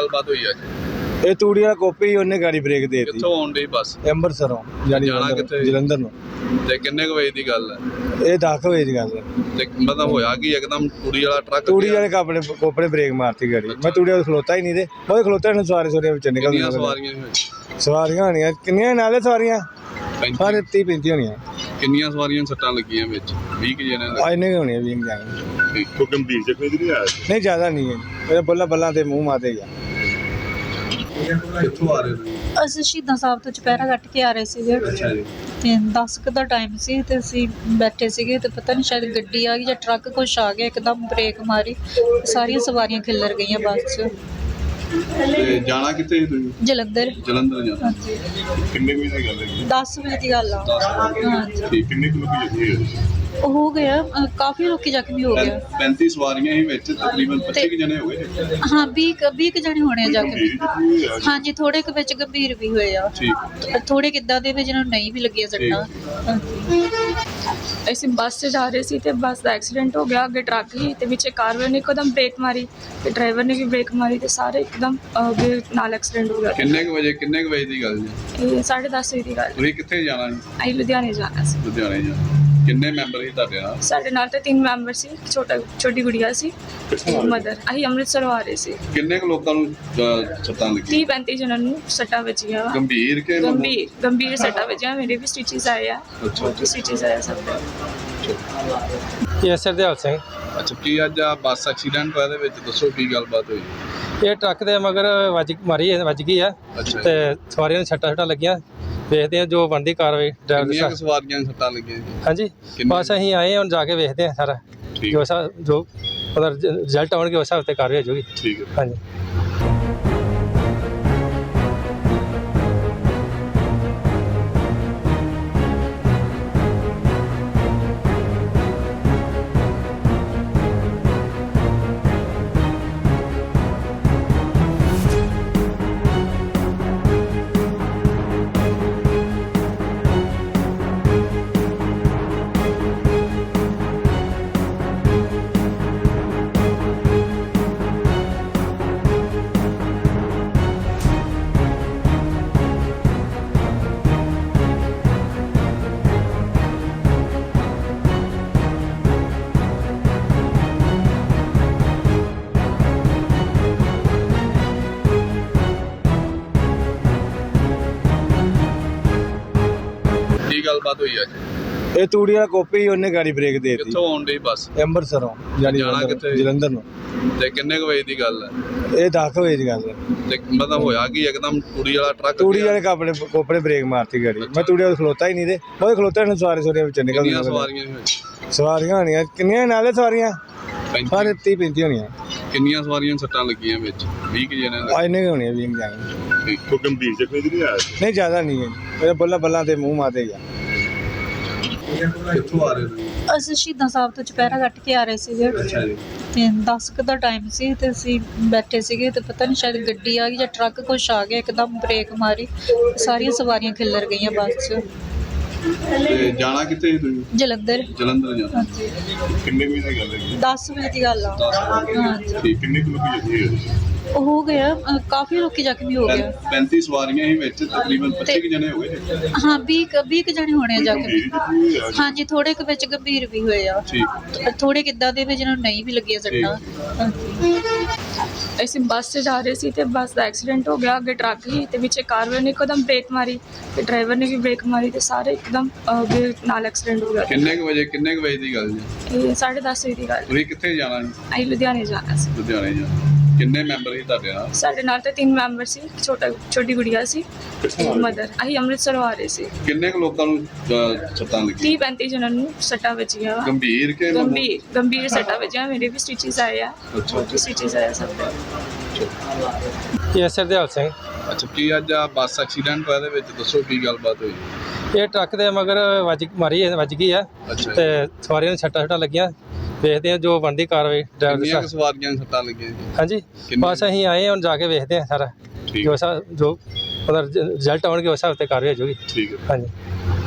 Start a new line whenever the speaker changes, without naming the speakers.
ਗੱਲਬਾਤ ਹੋਈ ਅੱਜ?
ਇਹ ਤੂੜੀ ਵਾਲਾ ਕੋਪੀ ਉਹਨੇ ਗਾੜੀ ਬ੍ਰੇਕ ਦੇ ਦਿੱਤੀ।
ਕਿੱਥੋਂ ਆਉਣ ਡਈ ਬੱਸ?
ਅੰਮ੍ਰਿਤਸਰੋਂ ਜਾਨੀ
ਜਾਣਾ ਕਿੱਥੇ?
ਜਲੰਧਰ ਨੂੰ।
ਤੇ ਕਿੰਨੇ ਕੁ ਵਜੇ ਦੀ ਗੱਲ ਹੈ?
ਇਹ 10 ਵਜੇ ਦੀ ਗੱਲ ਹੈ।
ਤੇ ਮਤਲਬ ਹੋਇਆ ਕਿ ਇੱਕਦਮ ਤੂੜੀ ਵਾਲਾ ਟਰੱਕ
ਤੂੜੀ ਵਾਲੇ ਆਪਣੇ ਕੋਪਰੇ ਬ੍ਰੇਕ ਮਾਰਤੀ ਗਾੜੀ। ਮੈਂ ਤੂੜੀ ਵਾਲੇ ਖਲੋਤਾ ਹੀ ਨਹੀਂ ਤੇ ਉਹ ਖਲੋਤੇ ਨੇ ਸਵਾਰੀਆਂ ਵਿੱਚ ਨਿਕਲ
ਕਿੰਨੀਆਂ ਸਵਾਰੀਆਂ ਸੀ ਵਿੱਚ?
ਸਵਾਰੀਆਂ ਹੋਣੀਆਂ ਕਿੰਨੀਆਂ ਨਾਲੇ ਸਵਾਰੀਆਂ ਸਾਰੇ 30-35 ਹੋਣੀਆਂ।
ਕਿੰਨੀਆਂ ਸਵਾਰੀਆਂ ਸੱਟਾਂ ਲੱਗੀਆਂ ਵਿੱਚ? 20 ਕਿ ਜਣੇ
ਆ ਇੰਨੇ ਹੋਣੀਆਂ 20 ਜਾਣੇ।
ਕੋਈ ਗੰਭੀਰ ਜ਼ਖਮੀ ਨਹੀਂ ਆਇਆ?
ਨਹੀਂ ਜ਼ਿਆਦਾ ਨਹੀਂ ਹੈ, ਇਹ ਬੱਲਾ ਬੱਲਾ ਤੇ ਮੂੰਹ ਮਾਤੇ ਗਿਆ।
ਕਿੱਥੋਂ ਆ ਰਹੇ ਨੇ?
ਅਸੀਂ ਸ਼ਹੀਦਾਂ ਸਾਹਿਬ ਤੋਂ ਚੁਪਹਿਰਾ ਕੱਟ ਕੇ ਆ ਰਹੇ ਸੀਗੇ
ਅੱਛਾ ਜੀ।
ਤੇ 10 ਕੁ ਦਾ ਟਾਈਮ ਸੀ ਤੇ ਅਸੀਂ ਬੈਠੇ ਸੀਗੇ ਤੇ ਪਤਾ ਨਹੀਂ ਸ਼ਾਇਦ ਗੱਡੀ ਆ ਗਈ ਜਾਂ ਟਰੱਕ ਕੁਛ ਆ ਗਿਆ, ਇੱਕਦਮ ਬ੍ਰੇਕ ਮਾਰੀ, ਸਾਰੀਆਂ ਸਵਾਰੀਆਂ ਖਿੱਲਰ ਗਈਆਂ ਬੱਸ 'ਚ।
ਤੇ ਜਾਣਾ ਕਿੱਥੇ ਸੀ ਤੁਸੀਂ?
ਜਲੰਧਰ।
ਜਲੰਧਰ ਜਾਣਾ।
ਹਾਂਜੀ,
ਕਿੰਨੇ ਵਜੇ ਦੀ ਗੱਲ ਹੈ?
10 ਵਜੇ ਦੀ ਗੱਲ ਆ।
10 ਵਜੇ।
ਹਾਂਜੀ,
ਠੀਕ। ਕਿੰਨੇ ਕੁ ਲੋਕੀ ਜ਼ਖਮੀ ਹੋਏ?
ਉਹ ਹੋ ਗਿਆ ਕਾਫੀ ਲੋਕੀ ਜ਼ਖਮੀ ਹੋ ਗਿਆ।
35 ਸਵਾਰੀਆਂ ਹੀ ਵਿੱਚ, ਤਕਰੀਬਨ 25 ਕੁ ਜਣੇ ਹੋ ਗਏ।
ਹਾਂ 20 ਕੁ ਜਣੇ ਹੋਣੇ ਆ ਜ਼ਖਮੀ।
ਜ਼ਖਮੀ ਹੋਏ?
ਹਾਂਜੀ, ਥੋੜੇ ਕੁ ਵਿੱਚ ਗੰਭੀਰ ਵੀ ਹੋਏ ਆ,
ਠੀਕ।
ਥੋੜੇ ਕਿੱਦਾਂ ਦੇ ਵੀ ਜਿਹਨਾਂ ਨੂੰ ਨਹੀਂ ਵੀ ਲੱਗੀਆਂ ਸੱਟਾਂ। ਹਾਂਜੀ।
ਅਸੀਂ ਬੱਸ 'ਚ ਜਾ ਰਹੇ ਸੀ ਤੇ ਬੱਸ ਦਾ ਐਕਸੀਡੈਂਟ ਹੋ ਗਿਆ। ਅੱਗੇ ਟਰੱਕ ਸੀ ਤੇ ਵਿੱਚ ਕਾਰ ਵਾਲੇ ਨੇ ਇੱਕਦਮ ਬ੍ਰੇਕ ਮਾਰੀ ਤੇ ਡਰਾਈਵਰ ਨੇ ਵੀ ਬ੍ਰੇਕ ਮਾਰੀ ਤੇ ਸਾਰੇ ਇੱਕਦਮ ਨਾਲ ਐਕਸੀਡੈਂਟ ਹੋ ਗਿਆ।
ਕਿੰਨੇ ਕੁ ਵਜੇ ਦੀ ਗੱਲ ਜੀ?
ਇਹ 10:30 ਵਜੇ ਦੀ ਗੱਲ।
ਤੁਸੀਂ ਕਿੱਥੇ ਜਾਣਾ ਜੀ?
ਅਸੀਂ ਲੁਧਿਆਣੇ ਜਾਣਾ ਸੀ।
ਲੁਧਿਆਣੇ ਜਾਣਾ। ਕਿੰਨੇ ਮੈਂਬਰ ਸੀ ਤੁਹਾਡੇ ਨਾਲ?
ਸਾਡੇ ਨਾਲ ਤਾਂ 3 ਮੈਂਬਰ ਸੀ, ਛੋਟੀ ਗੁੜੀਆ ਸੀ, ਮਦਰ। ਅਸੀਂ ਅੰਮ੍ਰਿਤਸਰੋਂ ਆ ਰਹੇ ਸੀ।
ਕਿੰਨੇ ਕੁ ਲੋਕਾਂ ਨੂੰ ਸੱਟਾਂ ਲੱਗੀਆਂ?
30-35 ਜਣਾਂ ਨੂੰ ਸੱਟਾਂ ਵੱਜੀਆਂ ਵਾ।
ਗੰਭੀਰ ਕਿ
ਗੰਭੀਰ ਸੱਟਾਂ ਵੱਜੀਆਂ। ਮੇਰੇ ਵੀ ਸਟਿਚਸ ਆਏ ਆ।
ਅੱਛਾ।
ਸਟਿਚਸ ਆਏ ਸਭ ਦੇ।
ਇਹ ਸਰਦੇਵ ਸਿੰਘ।
ਅੱਛਾ, ਕੀ ਅੱਜ ਆ ਬੱਸ ਐਕਸੀਡੈਂਟ ਹੋਇਆ? ਦੇ ਵਿੱਚ ਦੱਸੋ ਕੀ ਗੱਲਬਾਤ ਹੋਈ?
ਇਹ ਟਰੱਕ ਦੇ ਮਗਰ ਵੱਜ ਗਈ ਆ
ਅੱਛਾ।
ਤੇ ਸਵਾਰੀਆਂ ਨੂੰ ਛੱਟਾਂ ਲੱਗੀਆਂ। ਵੇਖਦੇ ਆ ਜੋ ਬਣਦੀ ਕਾਰਵਾਈ ਡਰਾਈਵਰ
ਕਿੰਨੀਆਂ
ਦੀ।
ਕੁ ਸਵਾਰੀਆਂ ਨੂੰ ਸੱਟਾਂ ਲੱਗੀਆਂ ਜੀ?
ਹਾਂਜੀ, ਬਸ ਅਸੀਂ ਆਏ ਹੁਣ ਜਾ ਕੇ ਵੇਖਦੇ ਆ ਸਾਰਾ
ਠੀਕ।
ਜੋ ਉਹਦਾ ਰਿਜ਼ਲਟ ਆਉਣਗੇ ਉਸ ਹਿਸਾਬ ਤੇ ਕਾਰਵਾਈ ਹੋ ਜਾਊਗੀ।
ਠੀਕ ਹੈ।
ਹਾਂਜੀ।
ਕੀ ਗੱਲਬਾਤ ਹੋਈ ਅੱਜ?
ਇਹ ਤੂੜੀ ਵਾਲਾ ਕੋਪੀ ਉਹਨੇ ਗਾੜੀ ਬ੍ਰੇਕ ਦੇ ਦਿੱਤੀ।
ਕਿੱਥੋਂ ਆਉਣ ਡਈ ਬੱਸ?
ਅੰਮ੍ਰਿਤਸਰੋਂ ਜਾਨੀ
ਜਾਣਾ ਕਿੱਥੇ?
ਜਲੰਧਰ ਨੂੰ।
ਤੇ ਕਿੰਨੇ ਕੁ ਵਜੇ ਦੀ ਗੱਲ ਹੈ?
ਇਹ 10 ਵਜੇ ਦੀ ਗੱਲ ਹੈ।
ਤੇ ਮਤਲਬ ਹੋਇਆ ਕਿ ਇੱਕਦਮ ਤੂੜੀ ਵਾਲਾ ਟਰੱਕ
ਤੂੜੀ ਵਾਲੇ ਆਪਣੇ ਕੋਪਰੇ ਬ੍ਰੇਕ ਮਾਰਤੀ ਗਾੜੀ। ਮੈਂ ਤੂੜੀ ਵਾਲੇ ਖਲੋਤਾ ਹੀ ਨਹੀਂ ਤੇ ਉਹ ਖਲੋਤੇ ਨੇ ਸਵਾਰੀਆਂ ਵਿੱਚ ਨਿਕਲ
ਕਿੰਨੀਆਂ ਸਵਾਰੀਆਂ ਸੀ ਵਿੱਚ?
ਸਵਾਰੀਆਂ ਹੋਣੀਆਂ ਕਿੰਨੀਆਂ ਨਾਲੇ ਸਵਾਰੀਆਂ ਸਾਰੇ 30-35 ਹੋਣੀਆਂ।
ਕਿੰਨੀਆਂ ਸਵਾਰੀਆਂ ਸੱਟਾਂ ਲੱਗੀਆਂ ਵਿੱਚ? 20 ਕਿ ਜਣੇ
ਆ ਇੰਨੇ ਹੋਣੀਆਂ 20 ਜਾਣੇ।
ਕੋਈ ਗੰਭੀਰ ਜ਼ਖਮੀ ਨਹੀਂ ਆਇਆ?
ਨਹੀਂ ਜ਼ਿਆਦਾ ਨਹੀਂ ਹੈ, ਇਹ ਬੱਲਾ ਬੱਲਾ ਤੇ ਮੂੰਹ ਮਾਤੇ ਗਿਆ।
ਕਿੱਥੋਂ ਆ ਰਹੇ ਨੇ?
ਅਸੀਂ ਸ਼ਹੀਦਾਂ ਸਾਹਿਬ ਤੋਂ ਚੁਪਹਿਰਾ ਕੱਟ ਕੇ ਆ ਰਹੇ ਸੀਗੇ
ਅੱਛਾ ਜੀ।
ਤੇ 10 ਕੁ ਦਾ ਟਾਈਮ ਸੀ ਤੇ ਅਸੀਂ ਬੈਠੇ ਸੀਗੇ ਤੇ ਪਤਾ ਨਹੀਂ ਸ਼ਾਇਦ ਗੱਡੀ ਆ ਗਈ ਜਾਂ ਟਰੱਕ ਕੁਛ ਆ ਗਿਆ, ਇੱਕਦਮ ਬ੍ਰੇਕ ਮਾਰੀ, ਸਾਰੀਆਂ ਸਵਾਰੀਆਂ ਖਿੱਲਰ ਗਈਆਂ ਬੱਸ 'ਚ।
ਤੇ ਜਾਣਾ ਕਿੱਥੇ ਸੀ ਤੁਸੀਂ?
ਜਲੰਧਰ।
ਜਲੰਧਰ ਜਾਣਾ।
ਹਾਂਜੀ,
ਕਿੰਨੇ ਵਜੇ ਦੀ ਗੱਲ ਹੈ?
10 ਵਜੇ ਦੀ ਗੱਲ ਆ।
10 ਵਜੇ।
ਹਾਂਜੀ,
ਠੀਕ। ਕਿੰਨੇ ਕੁ ਲੋਕੀ ਜ਼ਖਮੀ ਹੋਏ?
ਉਹ ਹੋ ਗਿਆ ਕਾਫੀ ਲੋਕੀ ਜ਼ਖਮੀ ਹੋ ਗਿਆ।
35 ਸਵਾਰੀਆਂ ਹੀ ਵਿੱਚ, ਤਕਰੀਬਨ 25 ਕੁ ਜਣੇ ਹੋ ਗਏ।
ਹਾਂ 20 ਕੁ ਜਣੇ ਹੋਣੇ ਆ ਜ਼ਖਮੀ।
ਗੰਭੀਰ ਜ਼ਖਮੀ ਹੋਏ?
ਹਾਂਜੀ, ਥੋੜੇ ਕੁ ਵਿੱਚ ਗੰਭੀਰ ਵੀ ਹੋਏ ਆ,
ਠੀਕ।
ਥੋੜੇ ਕਿੱਦਾਂ ਦੇ ਵੀ ਜਿਹਨਾਂ ਨੂੰ ਨਹੀਂ ਵੀ ਲੱਗੀਆਂ ਸੱਟਾਂ। ਹਾਂਜੀ।
ਅਸੀਂ ਬੱਸ 'ਚ ਜਾ ਰਹੇ ਸੀ ਤੇ ਬੱਸ ਦਾ ਐਕਸੀਡੈਂਟ ਹੋ ਗਿਆ। ਅੱਗੇ ਟਰੱਕ ਸੀ ਤੇ ਵਿੱਚ ਕਾਰ ਵਾਲੇ ਨੇ ਇੱਕਦਮ ਬ੍ਰੇਕ ਮਾਰੀ ਤੇ ਡਰਾਈਵਰ ਨੇ ਵੀ ਬ੍ਰੇਕ ਮਾਰੀ ਤੇ ਸਾਰੇ ਇੱਕਦਮ ਨਾਲ ਐਕਸੀਡੈਂਟ ਹੋ ਗਿਆ।
ਕਿੰਨੇ ਕੁ ਵਜੇ ਦੀ ਗੱਲ ਜੀ?
ਇਹ 10:30 ਵਜੇ ਦੀ ਗੱਲ।
ਤੁਸੀਂ ਕਿੱਥੇ ਜਾਣਾ ਜੀ?
ਅਸੀਂ ਲੁਧਿਆਣੇ ਜਾਣਾ ਸੀ।
ਲੁਧਿਆਣੇ ਜਾਣਾ। ਕਿੰਨੇ ਮੈਂਬਰ ਸੀ ਤੁਹਾਡੇ ਨਾਲ?
ਸਾਡੇ ਨਾਲ ਤਾਂ 3 ਮੈਂਬਰ ਸੀ, ਛੋਟੀ ਗੁੜੀਆ ਸੀ, ਮਦਰ। ਅਸੀਂ ਅੰਮ੍ਰਿਤਸਰੋਂ ਆ ਰਹੇ ਸੀ।
ਕਿੰਨੇ ਕੁ ਲੋਕਾਂ ਨੂੰ ਸੱਟਾਂ ਲੱਗੀਆਂ?
30-35 ਜਣਾਂ ਨੂੰ ਸੱਟਾਂ ਵੱਜੀਆਂ ਵਾ।
ਗੰਭੀਰ ਕਿ
ਗੰਭੀਰ ਸੱਟਾਂ ਵੱਜੀਆਂ। ਮੇਰੇ ਵੀ ਸਟਿਚਸ ਆਏ ਆ।
ਅੱਛਾ।
ਸਟਿਚਸ ਆਏ ਸਭ ਦੇ।
ਇਹ ਸਰਦੇਵ ਸਿੰਘ।
ਅੱਛਾ, ਕੀ ਅੱਜ ਆ ਬੱਸ ਐਕਸੀਡੈਂਟ ਹੋਇਆ? ਦੇ ਵਿੱਚ ਦੱਸੋ ਕੀ ਗੱਲਬਾਤ ਹੋਈ?
ਇਹ ਟਰੱਕ ਦੇ ਮਗਰ ਵੱਜ ਗਈ ਆ
ਅੱਛਾ।
ਤੇ ਸਵਾਰੀਆਂ ਨੂੰ ਛੱਟਾਂ ਲੱਗੀਆਂ। ਵੇਖਦੇ ਆ ਜੋ ਬਣਦੀ ਕਾਰਵਾਈ ਡਰਾਈਵਰ
ਕਿੰਨੀਆਂ
ਦੀ।
ਕੁ ਸਵਾਰੀਆਂ ਨੂੰ ਸੱਟਾਂ ਲੱਗੀਆਂ ਜੀ?
ਹਾਂਜੀ, ਬਸ ਅਸੀਂ ਆਏ ਹੁਣ ਜਾ ਕੇ ਵੇਖਦੇ ਆ ਸਾਰਾ
ਠੀਕ।
ਜੋ ਉਹਦਾ ਰਿਜ਼ਲਟ ਆਉਣਗੇ ਉਸ ਹਿਸਾਬ ਤੇ ਕਾਰਵਾਈ ਹੋ ਜਾਊਗੀ।
ਠੀਕ ਹੈ।
ਹਾਂਜੀ।